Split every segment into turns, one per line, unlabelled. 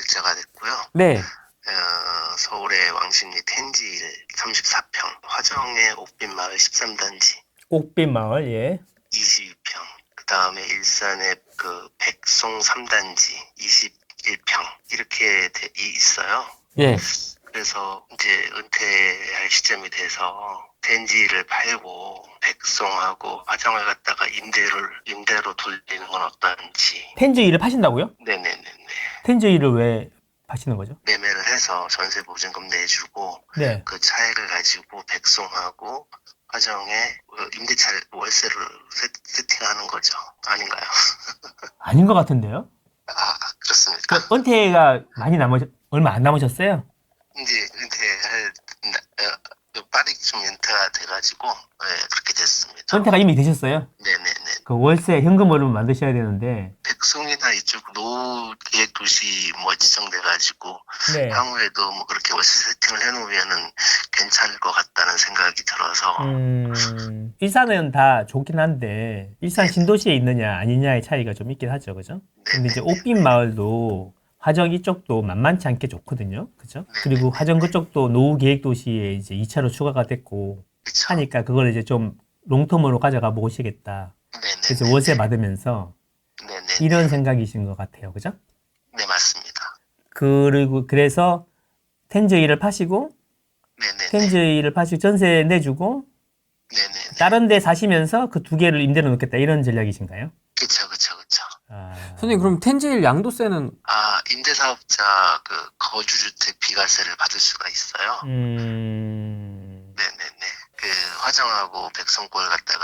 입주자 됐고요.
네.
서울의 왕십리 텐지 34평, 화정의 옥빈마을 13단지
옥빈마을, 예.
22평, 그 다음에 일산의 그 백송 3단지 21평 이렇게 있어요.
예.
그래서 이제 은퇴할 시점이 돼서 텐지를 팔고 백송하고 화정을 갖다가 임대로 돌리는 건 어떤지.
텐즈이를 파신다고요?
네네네네.
텐즈이를 왜 파시는 거죠?
매매를 해서 전세 보증금 내주고
네.
그 차액을 가지고 백송하고 화정에 임대차 월세를 세팅하는 거죠. 아닌가요?
아닌 것 같은데요?
그렇습니까?
그 은퇴가 얼마 안 남으셨어요?
이제 은퇴할 빠르게 좀 은퇴가 돼가지고 그렇게 됐습니다.
은퇴가 이미 되셨어요?
네네네.
그 월세 현금으로 만드셔야 되는데.
백송이나 이쪽 노후 계획 도시 뭐 지정돼가지고
네.
향후에도 뭐 그렇게 월세 세팅을 해놓으면은 괜찮을 것 같다는 생각이 들어서.
일산은 다 좋긴 한데 일산 신도시에 있느냐 아니냐의 차이가 좀 있긴 하죠, 그죠? 근데 이제 옥빈 마을도 화정 이쪽도 만만치 않게 좋거든요, 그죠? 그리고 화정 그쪽도 노후 계획 도시에 이제 2차로 추가가 됐고
그쵸?
하니까 그걸 이제 좀 롱텀으로 가져가 보시겠다.
네네.
그래서 월세 받으면서
네네.
이런 생각이신 것 같아요, 그죠?
네, 맞습니다.
그리고 그래서 텐즈이를 파시고
네네.
텐즈이를 파시고 전세 내주고
네네.
다른 데 사시면서 그 두 개를 임대로 놓겠다 이런 전략이신가요?
그쵸.
선생님
그럼 텐제일 양도세는
임대사업자 그 거주주택 비과세를 받을 수가 있어요. 네네네. 그 화정하고 백성골 갖다가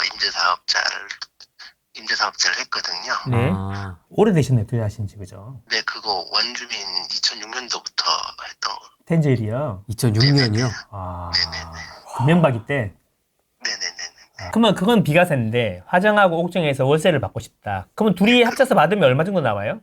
임대사업자를 했거든요.
네. 오래되셨네요, 투자하신 지, 그죠?
네, 그거 원주민 2006년도부터 했던 거.
텐제일이요?
2006년이요?
금명박이 때?
네네네.
그러면 그건 비과세인데 화정하고 옥정에서 월세를 받고 싶다. 그러면 둘이 합쳐서 받으면 얼마 정도 나와요?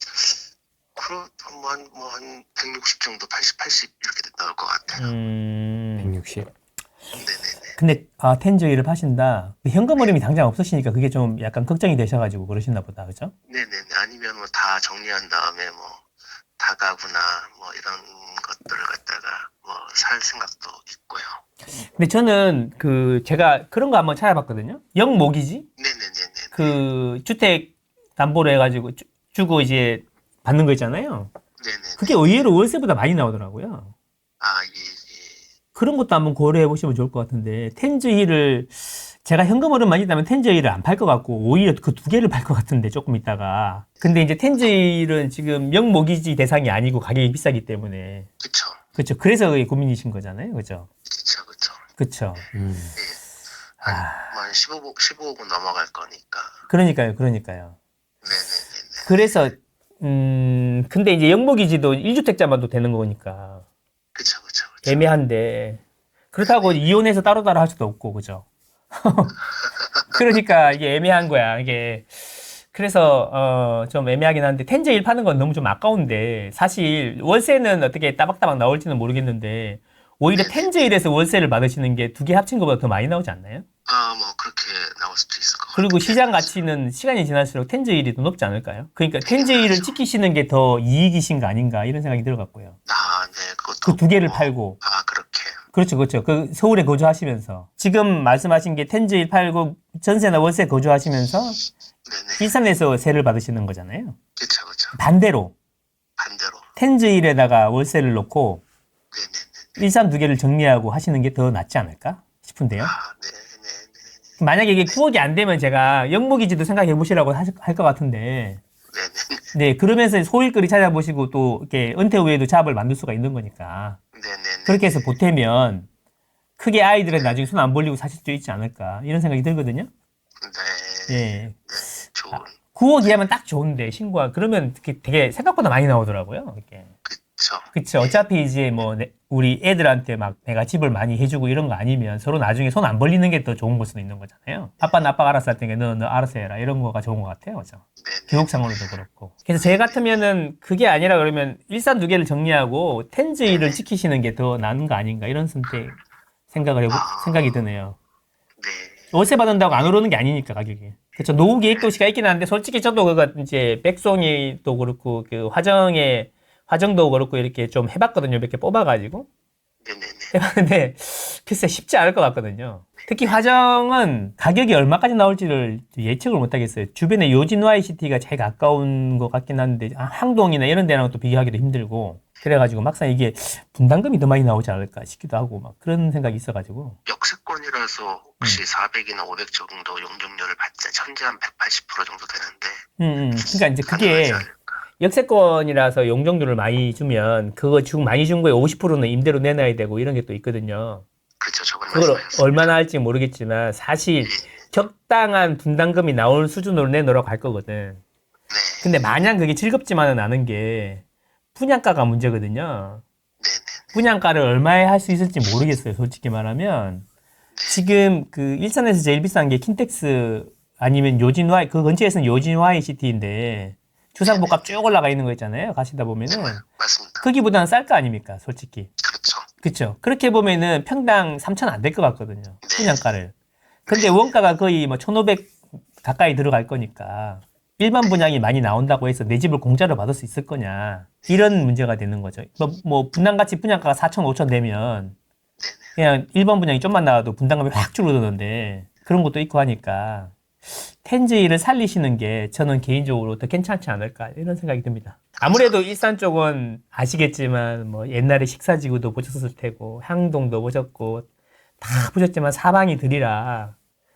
한 160 정도, 80 이렇게 나올 것 같아요.
160.
네네네.
근데 텐제일을 파신다. 현금 흐름이 당장 없으시니까 그게 좀 약간 걱정이 되셔가지고 그러시나 보다, 그죠?
네네네. 아니면 뭐 다 정리한 다음에 뭐 다가구나 뭐 이런 것들을 갖다가 뭐 살 생각도 있고요.
근데 저는 제가 그런 거 한번 찾아봤거든요. 영모기지?
네네네네.
그 주택 담보로 해가지고 주고 이제 받는 거 있잖아요.
네네.
그게 의외로 월세보다 많이 나오더라고요.
예.
그런 것도 한번 고려해 보시면 좋을 것 같은데 텐즈이를 제가 현금 흐름 많이 있다면 텐즈이를 안 팔 것 같고 오히려 그 두 개를 팔 것 같은데 조금 있다가 근데 이제 텐즈이는 지금 영모기지 대상이 아니고 가격이 비싸기 때문에
그쵸.
그렇죠. 그래서 그게 고민이신 거잖아요, 그죠?
그쵸.
그렇죠.
한 15억은 넘어갈 거니까.
그러니까요.
네네네.
그래서 근데 이제 영모기지도 1주택자만도 되는 거니까
그쵸.
애매한데 그렇다고 이혼해서 따로따로 할 수도 없고 그죠? 그러니까 이게 애매한 거야 이게. 그래서 좀 애매하긴 한데 텐제일 파는 건 너무 좀 아까운데 사실 월세는 어떻게 따박따박 나올지는 모르겠는데 오히려 텐제일에서 월세를 받으시는 게 두 개 합친 것보다 더 많이 나오지 않나요?
뭐 그렇게 나올 수도 있을 것 같아요.
그리고 시장 가치는 시간이 지날수록 텐제일이 더 높지 않을까요? 그러니까 텐제일을 지키시는 게 더 이익이신 거 아닌가 이런 생각이 들어갔고요.
네, 그것도.
그 두 개를 팔고.
그렇게.
그렇죠. 그 서울에 거주하시면서 지금 말씀하신 게 텐제일 팔고 전세나 월세 거주하시면서
네네.
일산에서 세를 받으시는 거잖아요.
그쵸.
반대로 텐제일에다가 월세를 놓고
네네네.
일산 두 개를 정리하고 하시는 게 더 낫지 않을까 싶은데요.
네네네.
만약에 이게 9억이 안 되면 제가 영모기지도 생각해 보시라고 할 것 같은데
네네네.
네, 그러면서 소일거리 찾아보시고 또 이렇게 은퇴 후에도 잡을 만들 수가 있는 거니까
네네네.
그렇게 해서 보태면 크게 아이들은 나중에 손 안 벌리고 사실 수 있지 않을까 이런 생각이 들거든요.
네.
예.
좋은.
9억 이하면 딱 좋은데 신고가 그러면 되게 생각보다 많이 나오더라고요. 이렇게. 그쵸. 어차피 이제 뭐 우리 애들한테 막 내가 집을 많이 해주고 이런 거 아니면 서로 나중에 손 안 벌리는 게 더 좋은 걸 수도 있는 거잖아요. 아빠는 아빠가 알아서 할 테니까 너 알아서 해라 이런 거가 좋은 것 같아요. 그죠? 교육상으로도 그렇고. 그래서 제 같으면은 그게 아니라 그러면 일산 두 개를 정리하고 텐즈이를 지키시는 게 더 나은 거 아닌가 이런 생각이 드네요.
네.
월세 받는다고 안 오르는 게 아니니까 가격이. 그렇죠. 노후 계획 도시가 있긴 한데 솔직히 저도 그거 이제 백송이 또 그렇고 그 화정도 그렇고 이렇게 좀 해봤거든요. 몇 개 뽑아가지고.
네네네.
해봤는데 글쎄 쉽지 않을 것 같거든요. 특히 화정은 가격이 얼마까지 나올지를 예측을 못하겠어요. 주변에 요진 YCT가 제일 가까운 것 같긴 한데 항동이나 이런 데랑 또 비교하기도 힘들고 그래가지고 막상 이게 분담금이 더 많이 나오지 않을까 싶기도 하고 막 그런 생각이 있어가지고.
역세권이라서 혹시 400이나 500 정도 용적률을 받자 현재 한 180% 정도 되는데
그러니까 이제 그게
가능하지 않을까.
역세권이라서 용적률을 많이 주면 그거 많이 준 거에 50%는 임대로 내놔야 되고 이런 게 또 있거든요.
그렇죠. 저번에
그걸
말씀하셨습니다.
얼마나 할지 모르겠지만 사실 적당한 분담금이 나올 수준으로 내놓으라고 할 거거든.
네.
근데 마냥 그게 즐겁지만은 않은 게 분양가가 문제거든요.
네네.
분양가를 얼마에 할 수 있을지 모르겠어요. 솔직히 말하면 지금 그 일산에서 제일 비싼 게 킨텍스 아니면 요진 Y 그 근처에서는 요진 YCT인데 주상복합 쭉 올라가 있는 거 있잖아요. 가시다 보면은
맞습니다.
거기보다는 쌀 거 아닙니까? 솔직히.
그렇죠.
그렇죠. 그렇게 보면은 평당 3,000 안 될 것 같거든요. 분양가를. 근데 원가가 거의 뭐 1,500 가까이 들어갈 거니까 일반 분양이 많이 나온다고 해서 내 집을 공짜로 받을 수 있을 거냐. 이런 문제가 되는 거죠. 뭐 분양가치 분양가가 4,000, 5,000 되면 그냥 일반 분양이 좀만 나와도 분담금이 확 줄어드는데 그런 것도 있고 하니까 텐즈이를 살리시는 게 저는 개인적으로 더 괜찮지 않을까 이런 생각이 듭니다. 아무래도 일산 쪽은 아시겠지만 뭐 옛날에 식사지구도 보셨을 테고 향동도 보셨고 다 보셨지만 사방이 들이라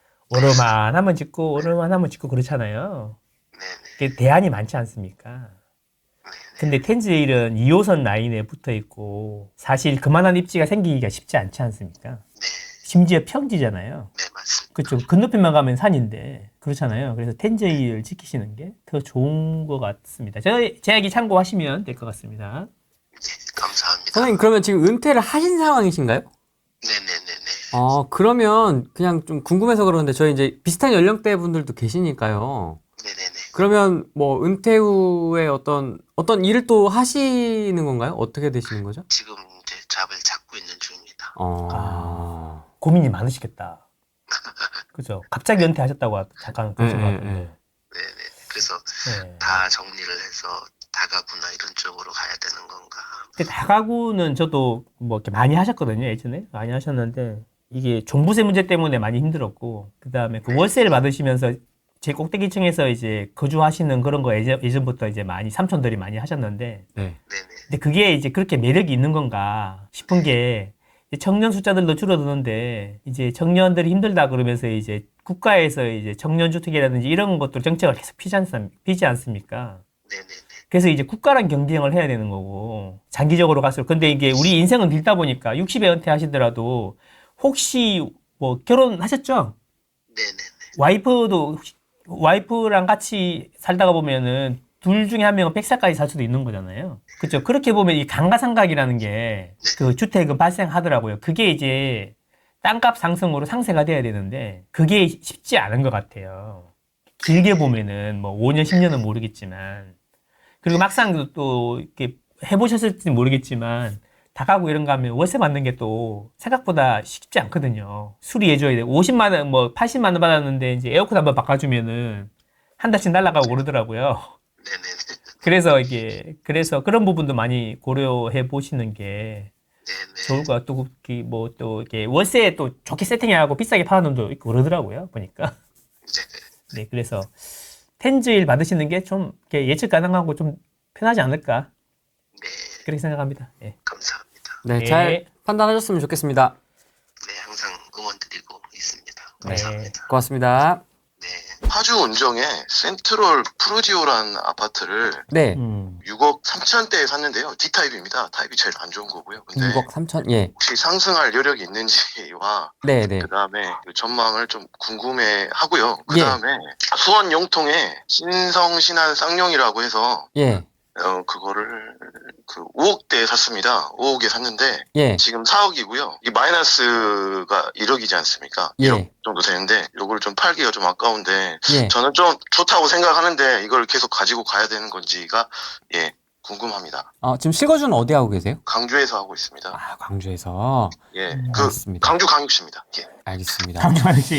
오르만 짓고 그렇잖아요. 그게 대안이 많지 않습니까? 근데 텐즈힐은 2호선 라인에 붙어 있고 사실 그만한 입지가 생기기가 쉽지 않지 않습니까?
네.
심지어 평지잖아요.
네, 맞습니다.
그렇죠. 건너편만 가면 산인데 그렇잖아요. 그래서 텐즈힐을 지키시는 게 더 좋은 것 같습니다. 제 이야기 참고하시면 될 것 같습니다.
감사합니다.
선생님 그러면 지금 은퇴를 하신 상황이신가요?
네네네네.
그러면 그냥 좀 궁금해서 그러는데 저희 이제 비슷한 연령대 분들도 계시니까요.
네네네.
그러면 뭐 은퇴 후에 어떤 일을 또 하시는 건가요? 어떻게 되시는 거죠?
지금 이제 잡을 찾고 있는 중입니다.
고민이 많으시겠다. 그죠? 갑자기 은퇴하셨다고 잠깐 그러신 것
네,
같은데.
네네. 그래서
네.
다 정리를 해서 다가구나 이런 쪽으로 가야 되는 건가.
근데 다가구는 저도 뭐 이렇게 많이 하셨거든요. 예전에 많이 하셨는데 이게 종부세 문제 때문에 많이 힘들었고 그 다음에 그 월세를 받으시면서 제 꼭대기층에서 이제 거주하시는 그런 거 예전부터 이제 많이 삼촌들이 많이 하셨는데
네.
네네.
근데 그게 이제 그렇게 매력이 있는 건가 싶은 게 이제 청년 숫자들도 줄어드는데 이제 청년들이 힘들다 그러면서 이제 국가에서 이제 청년주택이라든지 이런 것들 정책을 계속 피지 않습니까?
네네네.
그래서 이제 국가랑 경쟁을 해야 되는 거고 장기적으로 갈수록 근데 이게 우리 인생은 길다 보니까 60에 은퇴하시더라도 혹시 뭐 결혼하셨죠?
네네네.
와이프랑 같이 살다가 보면은 둘 중에 한 명은 100살까지 살 수도 있는 거잖아요. 그렇죠. 그렇게 보면 이 감가상각이라는 게 그 주택은 발생하더라고요. 그게 이제 땅값 상승으로 상쇄가 돼야 되는데 그게 쉽지 않은 것 같아요. 길게 보면은 뭐 5년, 10년은 모르겠지만 그리고 막상 또 이렇게 해보셨을지 모르겠지만 다가구 이런 거 하면 월세 받는 게 또 생각보다 쉽지 않거든요. 수리해줘야 돼. 50만 원, 뭐 80만 원 받았는데 이제 에어컨 한번 바꿔주면은 한 달씩 날아가고 그러더라고요.
네네네.
그래서 그런 부분도 많이 고려해 보시는 게
네네.
좋을 것 같고, 또 이렇게 월세 또 좋게 세팅해하고 비싸게 파는 놈도 있고 그러더라고요. 보니까. 네, 그래서 텐즈일 받으시는 게 좀 예측 가능하고 좀 편하지 않을까.
네.
그렇게 생각합니다. 예.
감사합니다.
네,
네.
잘 판단하셨으면 좋겠습니다.
네, 항상 응원드리고 있습니다.
네.
감사합니다.
고맙습니다.
네. 파주 운정에 센트럴 프루지오라는 아파트를
네,
6억 3천대에 샀는데요. D타입입니다. 타입이 제일 안 좋은 거고요. 근데
6억 3천, 예.
혹시 상승할 여력이 있는지와
네, 네.
그 다음에 전망을 좀 궁금해 하고요. 그
예.
다음에 수원 용통에 신성 신안 쌍용이라고 해서
예,
그거를 5억대에 샀습니다. 5억에 샀는데
예,
지금 4억이고요. 이 마이너스가 1억이지 않습니까?
예.
1억 정도 되는데 요걸 좀 팔기가 좀 아까운데
예.
저는 좀 좋다고 생각하는데 이걸 계속 가지고 가야 되는 건지가 궁금합니다.
지금 실거주는 어디 하고 계세요?
강주에서 하고 있습니다.
아, 광주에서.
예,
알겠습니다.
강주 강육시입니다. 예.
알겠습니다.
강조하는 씨,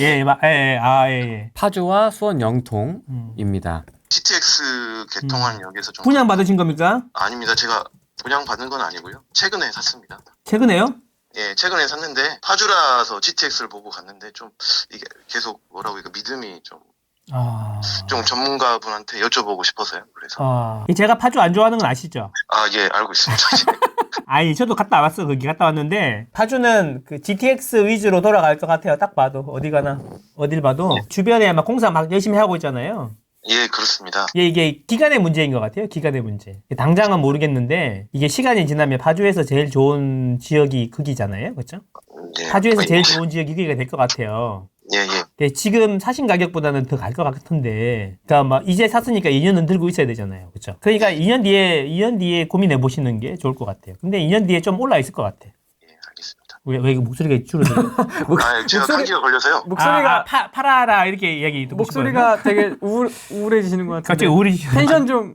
예.
파주와 수원 영통입니다.
CTX 개통한 역에서 좀
분양 받으신 겁니까?
아닙니다. 제가 분양받은 건 아니고요. 최근에 샀습니다.
최근에요?
예, 최근에 샀는데 파주라서 GTX를 보고 갔는데 좀 이게 계속 뭐라고 이거 믿음이 좀
아.
전문가분한테 여쭤보고 싶어서요. 그래서
제가 파주 안 좋아하는 건 아시죠?
예, 알고 있습니다.
아니, 저도 갔다 왔어. 거기 갔다 왔는데 파주는 그 GTX 위주로 돌아갈 것 같아요. 딱 봐도 어디 가나 어딜 봐도 주변에 막 공사 막 열심히 하고 있잖아요.
예, 그렇습니다.
이게 기간의 문제인 것 같아요. 기간의 문제. 당장은 모르겠는데 이게 시간이 지나면 파주에서 제일 좋은 지역이 거기잖아요. 그렇죠?
예,
파주에서 제일 좋은 지역이 거기가 될 것 같아요.
예, 예.
근데 지금 사신 가격보다는 더 갈 것 같은데, 그러니까 막 이제 샀으니까 2년은 들고 있어야 되잖아요, 그렇죠? 그러니까 2년 뒤에 고민해 보시는 게 좋을 것 같아요. 근데 2년 뒤에 좀 올라 있을 것 같아.
예, 알겠습니다.
왜 이거 목소리가 줄어들어요?
제가 감기가 걸려서요.
목소리가
팔아라 이렇게 이야기 듣고
목소리가 되게 우울해지시는 것 같은데.
갑자기 우울해지시는
텐션 좀.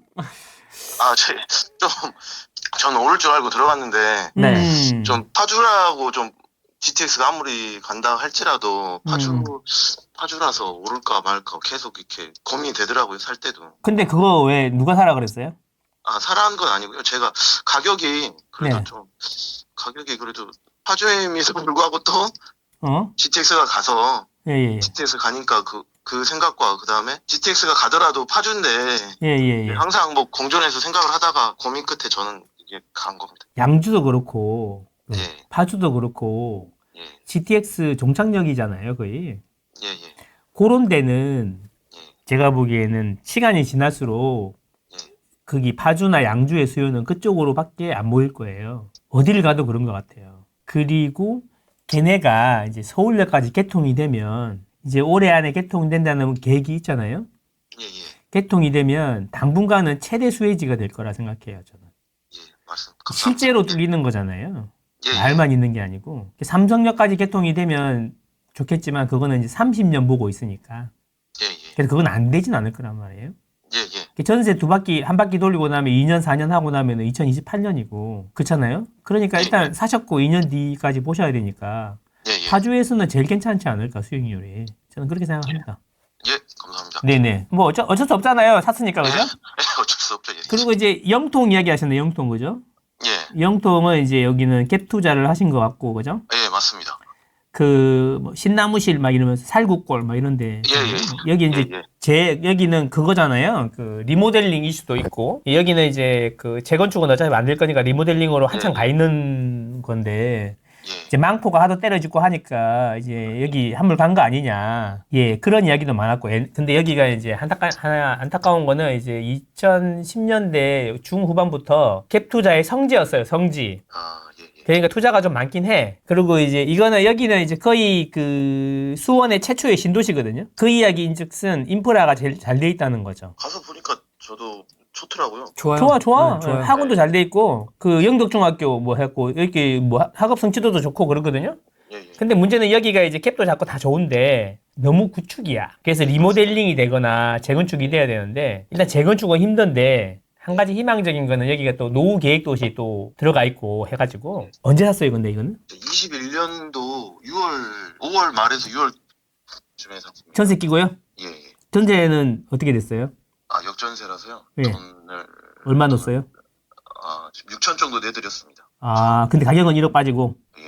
저는 오를 줄 알고 들어갔는데
네.
좀 파주라고 좀 GTX가 아무리 간다 할지라도 파주라서 오를까 말까 계속 이렇게 고민이 되더라고요, 살 때도.
근데 그거 왜 누가 사라 그랬어요?
사라는 건 아니고요. 제가 가격이 그래도
네.
가격이 그래도 파주임에도 불구하고 또 GTX가 가서
예.
GTX 가니까 그 생각과 그 다음에 GTX가 가더라도 파주인데
예.
항상 뭐 공존해서 생각을 하다가 고민 끝에 저는 이게 간 겁니다.
양주도 그렇고
예.
파주도 그렇고
예.
GTX 종착역이잖아요, 거의.
예.
그런 데는
예.
제가 보기에는 시간이 지날수록
예.
거기 파주나 양주의 수요는 그쪽으로밖에 안 모일 거예요. 어디를 가도 그런 것 같아요. 그리고 걔네가 이제 서울역까지 개통이 되면 이제 올해 안에 개통된다는 계획이 있잖아요.
예.
개통이 되면 당분간은 최대 수혜지가 될 거라 생각해요, 저는.
예. 말씀 감사합니다.
실제로 뚫리는 거잖아요.
예.
말만 있는 게 아니고. 삼성역까지 개통이 되면 좋겠지만 그거는 이제 30년 보고 있으니까.
예.
그래서 그건 안 되진 않을 거란 말이에요.
예.
전세 한 바퀴 돌리고 나면 2년, 4년 하고 나면 2028년이고. 그렇잖아요? 그러니까 일단 사셨고 2년 뒤까지 보셔야 되니까.
예.
파주에서는 제일 괜찮지 않을까, 수익률이. 저는 그렇게 생각합니다.
예. 감사합니다.
네네. 뭐 어쩔 수 없잖아요. 샀으니까, 그죠?
어쩔 수 없죠. 예.
그리고 이제 영통 이야기 하셨네, 영통, 그죠?
예.
영통은 이제 여기는 갭 투자를 하신 것 같고, 그죠?
예, 맞습니다.
뭐 신나무실 막 이러면서 살구골 막 이런데 여기 이제 여기는 그거잖아요. 그 리모델링 이슈도 있고 여기는 이제 그 재건축은 어차피 안 될 거니까 리모델링으로 한참 가 있는 건데 이제 망포가 하도 때려짓고 하니까 이제 여기 한물 간 거 아니냐. 예, 그런 이야기도 많았고. 근데 여기가 이제 안타까운 거는 이제 2010년대 중후반부터 갭 투자의 성지였어요. 성지. 그러니까 투자가 좀 많긴 해. 그리고 이제 여기는 이제 거의 그 수원의 최초의 신도시거든요. 그 이야기인즉슨 인프라가 제일 잘 돼 있다는 거죠.
가서 보니까 저도 좋더라고요.
좋아요.
좋아.
네, 좋아요.
학원도 잘 돼 있고 그 영덕중학교 뭐 했고 이렇게 뭐 학업 성취도도 좋고 그러거든요. 근데 문제는 여기가 이제 캡도 잡고 다 좋은데 너무 구축이야. 그래서 리모델링이 되거나 재건축이 돼야 되는데 일단 재건축은 힘든데 한 가지 희망적인 거는 여기가 또 노후 계획 도시 또 들어가 있고 해가지고 언제 샀어요, 근데 이거는?
21년도 5월 말에서 6월쯤에 샀습니다.
전세 끼고요?
예.
전세는 어떻게 됐어요?
역전세라서요.
예.
돈을
얼마 넣었어요?
지금 6천 정도 내드렸습니다.
근데 가격은 1억 빠지고.
예.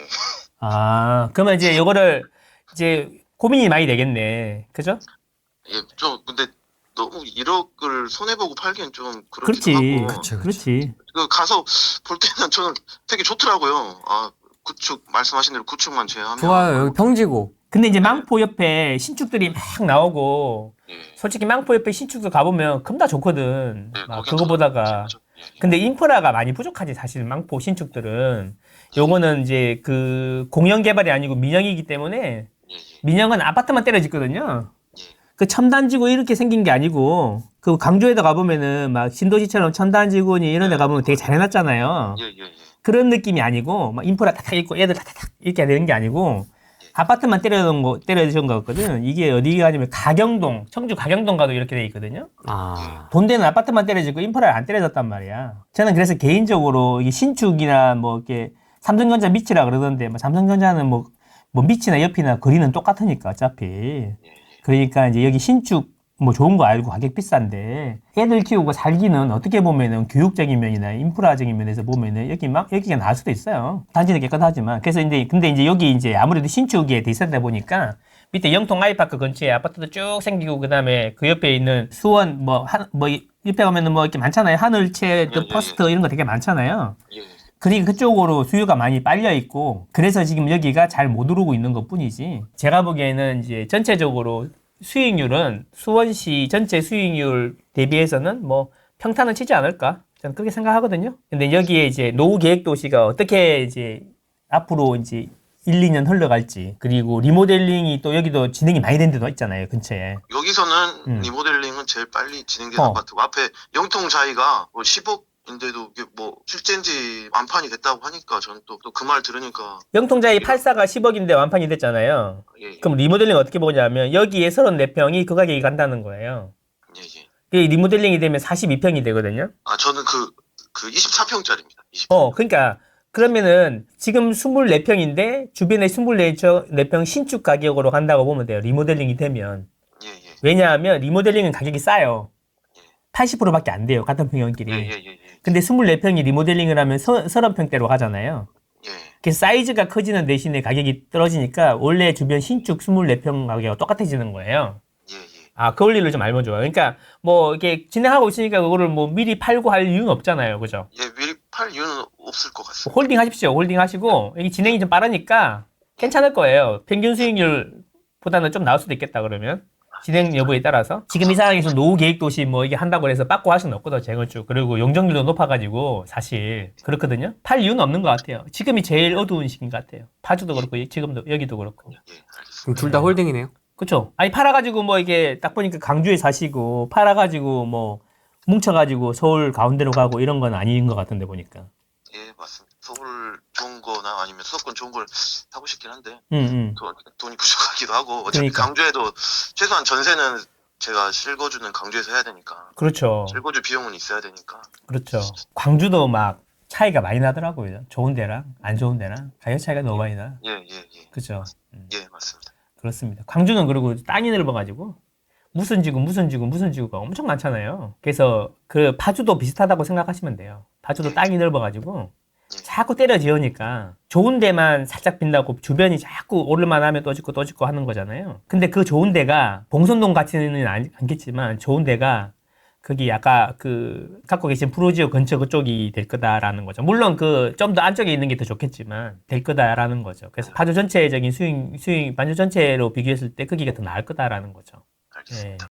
그러면 이제 요거를 이제 고민이 많이 되겠네, 그죠?
예, 근데 너무 1억을 손해보고 팔기엔 좀
그렇지.
그렇기도 하고.
그렇지.
가서 볼 때는 저는 되게 좋더라고요. 구축 말씀하신 대로 구축만 제외하면
좋아요. 여기 평지고.
근데 이제 망포 옆에 신축들이 막 나오고
예.
솔직히 망포 옆에 신축도 가보면 금다 좋거든.
네,
막
거긴
그거보다가.
예.
근데 인프라가 많이 부족하지 사실 망포 신축들은. 요거는 이제 그 공영 개발이 아니고 민영이기 때문에 민영은 아파트만 때려 짓거든요. 그 첨단지구 이렇게 생긴 게 아니고 그 강조에다 가보면은 막 신도시처럼 첨단지구니 이런 데 가보면 되게 잘 해놨잖아요. 그런 느낌이 아니고 막 인프라 탁탁 있고 애들 탁탁 이렇게 되는 게 아니고 아파트만 때려준 거 같거든. 이게 어디가 아니면 가경동, 청주 가경동 가도 이렇게 돼 있거든요. 본대는 아파트만 때려지고 인프라를 안 때려졌단 말이야. 저는 그래서 개인적으로 이게 신축이나 뭐 이렇게 삼성전자 밑이라 그러던데 뭐 삼성전자는 뭐 밑이나 옆이나 거리는 똑같으니까 어차피. 그러니까 이제 여기 신축 뭐 좋은 거 알고 가격 비싼데 애들 키우고 살기는 어떻게 보면은 교육적인 면이나 인프라적인 면에서 보면은 여기가 나을 수도 있어요. 단지는 깨끗하지만. 그래서 근데 이제 여기 이제 아무래도 신축에 돼 있었다 보니까 밑에 영통 아이파크 근처에 아파트도 쭉 생기고 그다음에 그 옆에 있는 수원 뭐 옆에 가면은 뭐 이렇게 많잖아요. 하늘채, 또 퍼스트 이런 거 되게 많잖아요.
예.
그러니까 그쪽으로 수요가 많이 빨려 있고 그래서 지금 여기가 잘 못 오르고 있는 것 뿐이지. 제가 보기에는 이제 전체적으로 수익률은 수원시 전체 수익률 대비해서는 뭐 평탄은 치지 않을까? 저는 그렇게 생각하거든요. 근데 여기에 이제 노후 계획 도시가 어떻게 이제 앞으로 이제 1, 2년 흘러갈지 그리고 리모델링이 또 여기도 진행이 많이 된 데도 있잖아요, 근처에.
여기서는 리모델링은 제일 빨리 진행된 아파트고 앞에 영통 자이가 뭐 10억인데도 이게 뭐 실제인지 완판이 됐다고 하니까 저는 또 그 말 들으니까
영통자이 84가 10억인데 완판이 됐잖아요.
예.
그럼 리모델링 어떻게 보냐면 여기에 34평이 그 가격이 간다는 거예요.
예.
그 리모델링이 되면 42평이 되거든요.
아 저는 그 24평짜리입니다.
그러니까 그러면은 지금 24평인데 주변에 24평 신축 가격으로 간다고 보면 돼요. 리모델링이 되면.
예.
왜냐하면 리모델링은 가격이 싸요. 80%밖에 안 돼요. 같은 평형끼리.
예.
근데 24평이 리모델링을 하면 30평대로 가잖아요.
예.
그래서 사이즈가 커지는 대신에 가격이 떨어지니까 원래 주변 신축 24평 가격과 똑같아지는 거예요.
예.
아, 그 원리를 좀 알면 좋아요. 그러니까 뭐 이렇게 진행하고 있으니까 그거를 뭐 미리 팔고 할 이유는 없잖아요. 그죠?
예, 미리 팔 이유는 없을 것 같습니다.
홀딩 하십시오. 홀딩 하시고 이게 진행이 좀 빠르니까 괜찮을 거예요. 평균 수익률보다는 좀 나을 수도 있겠다 그러면. 진행 여부에 따라서. 지금 이 상황에서 노후 계획 도시 뭐 이게 한다고 해서 빠꾸 할 수는 없거든, 재건축. 그리고 용적률도 높아가지고 사실 그렇거든요. 팔 이유는 없는 것 같아요. 지금이 제일 어두운 시기인 것 같아요. 파주도 그렇고 지금도 여기도 그렇고.
예, 알겠습니다.
그럼 둘 다 홀딩이네요.
그쵸? 아니 팔아가지고 뭐 이게 딱 보니까 강주에 사시고 팔아가지고 뭐 뭉쳐가지고 서울 가운데로 가고 이런 건 아닌 것 같은데 보니까.
예, 맞습니다. 서울 좋은 거나 아니면 수도권 좋은 걸 하고 싶긴 한데 돈이 부족하기도 하고 어차피
그러니까.
강주에도 최소한 전세는 제가 실거주는 강주에서 해야 되니까
그렇죠.
실거주 비용은 있어야 되니까
그렇죠. 광주도 막 차이가 많이 나더라고요. 좋은 데랑 안 좋은 데랑 가격 차이가 너무 많이 나.
예.
그죠?
예, 맞습니다.
그렇습니다. 광주는 그리고 땅이 넓어가지고 무슨 지구가 엄청 많잖아요. 그래서 그 파주도 비슷하다고 생각하시면 돼요. 파주도 땅이 넓어가지고 자꾸 때려 지으니까 좋은 데만 살짝 빈다고 주변이 자꾸 오를만 하면 또 짓고 하는 거잖아요. 근데 그 좋은 데가 봉선동 같지는 않겠지만 좋은 데가 거기 아까 그 갖고 계신 프로지오 근처 그쪽이 될 거다라는 거죠. 물론 그 좀 더 안쪽에 있는 게 더 좋겠지만 될 거다라는 거죠. 그래서 파주 전체적인 수익 반주 전체로 비교했을 때 거기가 더 나을 거다라는 거죠.
알겠습니다.
예.